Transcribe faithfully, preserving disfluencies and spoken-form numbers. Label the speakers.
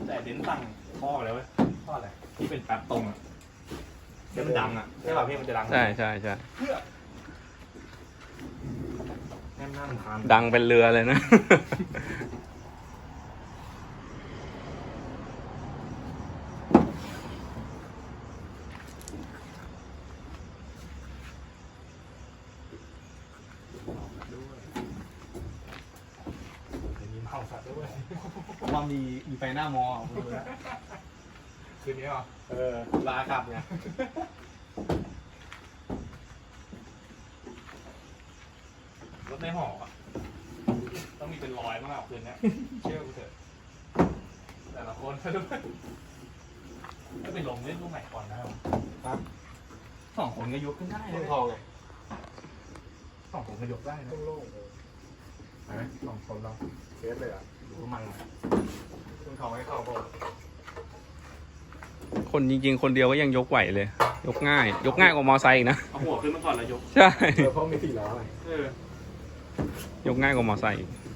Speaker 1: แต่เดนสั่งท่อเลยเว้ยท่ออะไรที่เป็นแป๊บตรงอ่ะที่มันดังอ่ะใช่ป่ะพี่มันจะดัง
Speaker 2: ใช่ใช่ใช่
Speaker 1: เพื่อแน่นหน้าทาน
Speaker 2: ดังเป็นเรือเลยนะ
Speaker 1: มีเมาสัตว์ด้วย
Speaker 3: ผมว่ามีมีไฟหน้ามอผมดูแล้ว
Speaker 1: คืนนี้เหรอ
Speaker 3: เออลาขับเนี่ย
Speaker 1: รถในหออ่ะต้องมีเป็นร้อยมากคืนนี้เชื่อกูเถอะแต่ละคนด้วยก็ไปลงเล่นลูกใหม่ก่อนนะครับ
Speaker 3: ครับ
Speaker 1: สองคนก็ยกขึ้นได้
Speaker 3: เมื
Speaker 1: เล
Speaker 3: อง
Speaker 1: ย
Speaker 3: ทองไง
Speaker 1: สองคนก็ยกได้นะ
Speaker 3: โล่งๆเลย
Speaker 1: ไหมสองคนเรา
Speaker 3: เซฟเลยอ่ะ
Speaker 1: ดูมัน
Speaker 3: เมืองทองให้เข้าก่อน
Speaker 2: คนจริงๆ คนเดียวก็ยังยกไหวเลย ยกง่าย ยกง่ายกว่ามอไซค์อีกนะ
Speaker 1: เอาหัวขึ้นมาก่อนแล้วยก
Speaker 2: ใช่
Speaker 3: เออเพราะมีสี่ล้อไง
Speaker 1: เออ
Speaker 2: ยกง่ายกว่ามอไซค์อีก
Speaker 1: เ